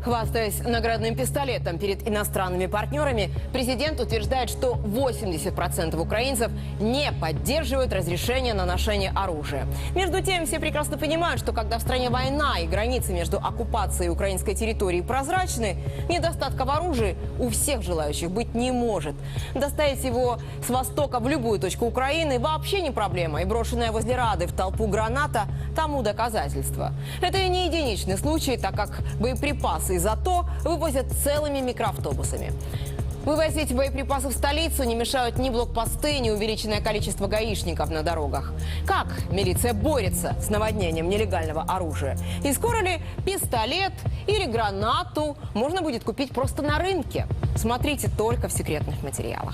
Хвастаясь наградным пистолетом перед иностранными партнерами, президент утверждает, что 80% украинцев не поддерживают разрешение на ношение оружия. Между тем, все прекрасно понимают, что когда в стране война и границы между оккупацией и украинской территорией прозрачны, недостатка в оружии у всех желающих быть не может. Доставить его с востока в любую точку Украины вообще не проблема, и брошенная возле Рады в толпу граната тому доказательство. Это и не единичный случай, так как боеприпасы из АТО вывозят целыми микроавтобусами. Вывозить боеприпасы в столицу не мешают ни блокпосты, ни увеличенное количество гаишников на дорогах. Как милиция борется с наводнением нелегального оружия? И скоро ли пистолет или гранату можно будет купить просто на рынке? Смотрите только в секретных материалах.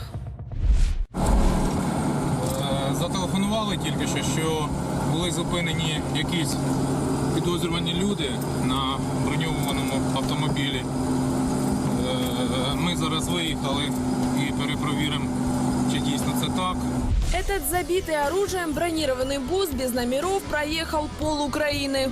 Зателефонували тільки що були зупинені якісь підозрювані люди на броньованому автомобілі. Ми зараз виїхали і перепровіримо, чи дійсно це так. Этот забитый оружием бронированный бус без номеров проехал пол Украины.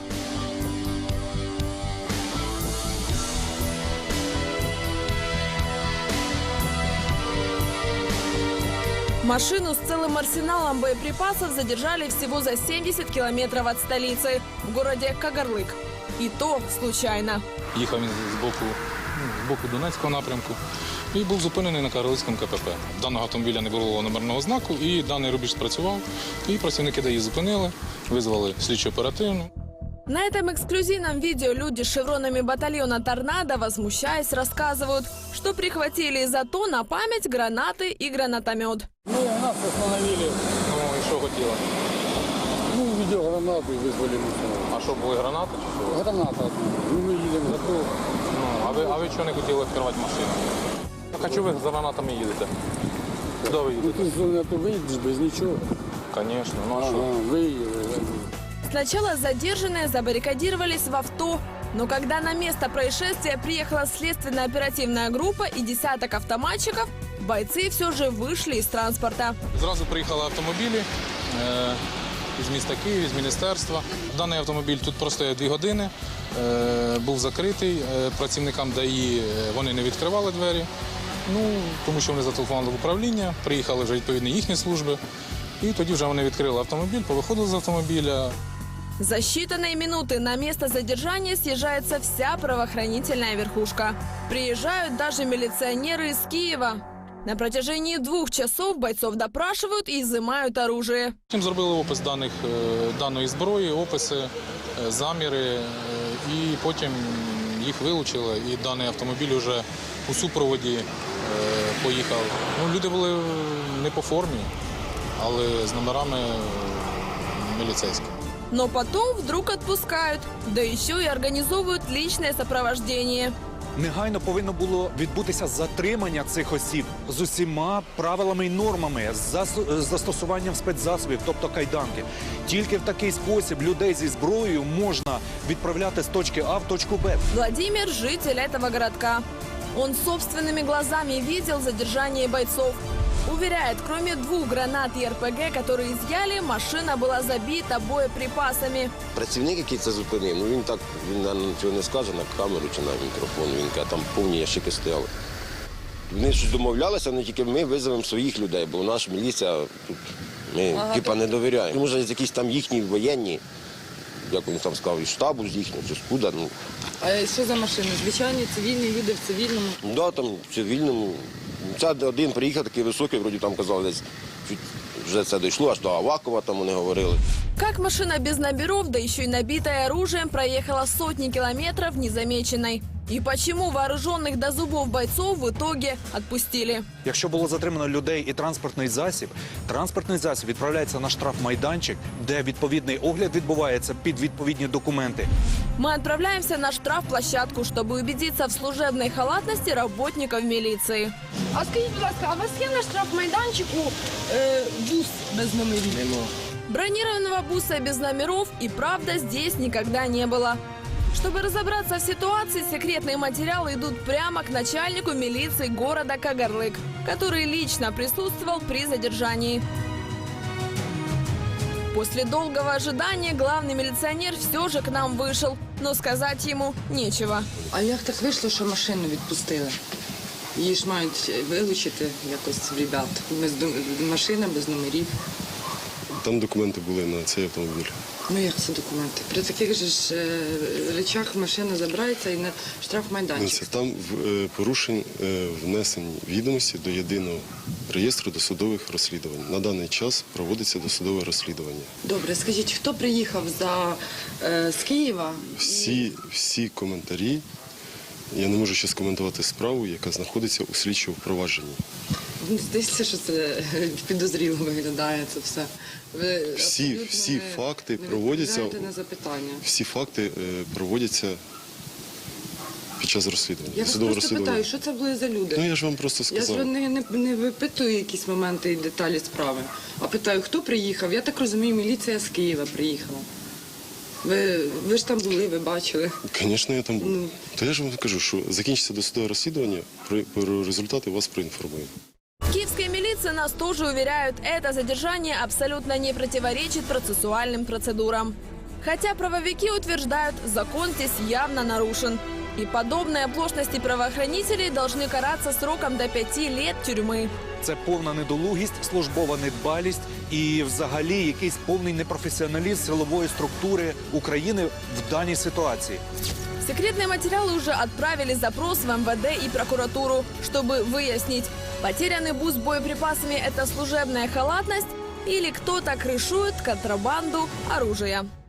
Машину с целым арсеналом боеприпасов задержали всего за 70 километров от столицы, в городе Кагарлык. И то случайно. Їхав він з боку Донецького напрямку і був зупинений на Кагарлицькому КПП. Даного автомобіля не було номерного знаку, і даний рубіж спрацював. І працівники ДАІ зупинили, визвали слідчо оперативну. На этом эксклюзивном видео люди с шевронами батальона «Торнадо», возмущаясь, рассказывают, что прихватили из АТО на память гранаты и гранатомет. Ну, нас остановили. Ну і що хотіли? Ну, видеогранату и вызвали мусор. А що, були гранати чи що? Граната. Ну, мы едем за то. Ну, а ви чого не хотіли відкривати машину? Так а чого ви за гранатами їдете? Куди ви Ну, їдете? ты с зоны выйдешь без ничего. Звісно, ну а що? Выехали. Сначала задержанные забаррикадировались в авто, но когда на место происшествия приехала следственно-оперативная группа и десяток автоматчиков, бойцы все же вышли из транспорта. Зразу приїхали автомобілі із міста Київ, з міністерства. Даний автомобіль тут простояв 2 години, був закритий. Працівникам ДАІ вони не відкривали двері, тому що вони зателефонували в управління, приїхали вже відповідні їхні служби. І тоді вже вони відкрили автомобіль, повиходили з автомобіля. За считанные минуты на место задержания съезжается вся правоохранительная верхушка. Приезжают даже милиционеры из Киева. На протяжении 2 часов бойцов допрашивают и изымают оружие. Потім зробили опис даної зброї, описи, заміри, і потім їх вилучили, і даний автомобіль вже у супроводі поїхав. Люди були не по формі, але з номерами милицейскими. Но потом вдруг отпускают, да еще и организовывают личное сопровождение. Негайно повинно було відбутися затримання цих осіб з усіма правилами і нормами, з застосуванням спецзасобів, тобто кайданки. Тільки в такий спосіб людей зі зброєю можна відправляти з точки А в точку Б. Владимир – житель этого городка. Он собственными глазами видел задержание бойцов. Уверяет, кроме 2 гранат и РПГ, которые изъяли, машина была забита боеприпасами. Працівник, який це зупинив, він наверное, нічого не скаже на камеру чи на мікрофон, він каже, там повні ящики стояли. Вони щось домовлялися, але тільки ми визовемо своїх людей, бо наша міліція тут, ми не довіряємо. Може, якісь там їхні воєнні, як вони там сказали, із штабу з їхнього, чи скуда. А що за машини? Звичайні цивільні люди в цивільному? Так, там в цивільному. Це один приїхав такий високий, вроді там казали, десь вже це дійшло, аж до Авакова там вони говорили. Как машина без номеров, да еще и набитая оружием, проехала сотни километров незамеченной? И почему вооруженных до зубов бойцов в итоге отпустили? Якщо було затримано людей і транспортний засіб відправляється на штрафмайданчик, де відповідний огляд відбувається під відповідні документи. Мы отправляемся на штрафплощадку, чтобы убедиться в служебной халатности работников милиции. А скажіть, будь ласка, а у вас є на штрафмайданчику бус без номерів? Бронированного буса без номеров и правда здесь никогда не было. Чтобы разобраться в ситуации, секретные материалы идут прямо к начальнику милиции города Кагарлык, который лично присутствовал при задержании. После долгого ожидания главный милиционер все же к нам вышел, но сказать ему нечего. А як так вийшло, що машину відпустили? Її ж мають вилучити якось ребят. Машина без номерів. Там документи були на цей автомобіль. Ну як це документи? При таких же ж речах машина забирається і на штрафмайданчик. Там порушень внесені відомості до єдиного реєстру досудових розслідувань. На даний час проводиться досудове розслідування. Добре, скажіть, хто приїхав з Києва? Всі коментарі, я не можу ще скоментувати справу, яка знаходиться у слідчому впровадженні. Здається, що це підозріло виглядає це все. Ви Всі факти проводяться. на запитання. Всі факти проводяться під час розслідування. Я вас просто питаю, що це були за люди? Ну я ж вам просто сказав. Я ж не випитую якісь моменти і деталі справи, а питаю, хто приїхав. Я так розумію, міліція з Києва приїхала. Ви ж там були, ви бачили. Звісно, я там був. То я ж вам кажу, що закінчиться досудове розслідування, про результати вас проінформую. Киевская милиция нас тоже уверяют, это задержание абсолютно не противоречит процессуальным процедурам. Хотя правовики утверждают, закон здесь явно нарушен. И подобные оплошности правоохранителей должны караться сроком до 5 лет тюрьмы. Це повна недолугість, службова недбалість і взагалі якийсь повний непрофесіоналізм силової структури України в даній ситуації. Секретные материалы уже отправили запрос в МВД и прокуратуру, чтобы выяснить, потерянный бус с боеприпасами – это служебная халатность или кто-то крышует контрабанду оружия.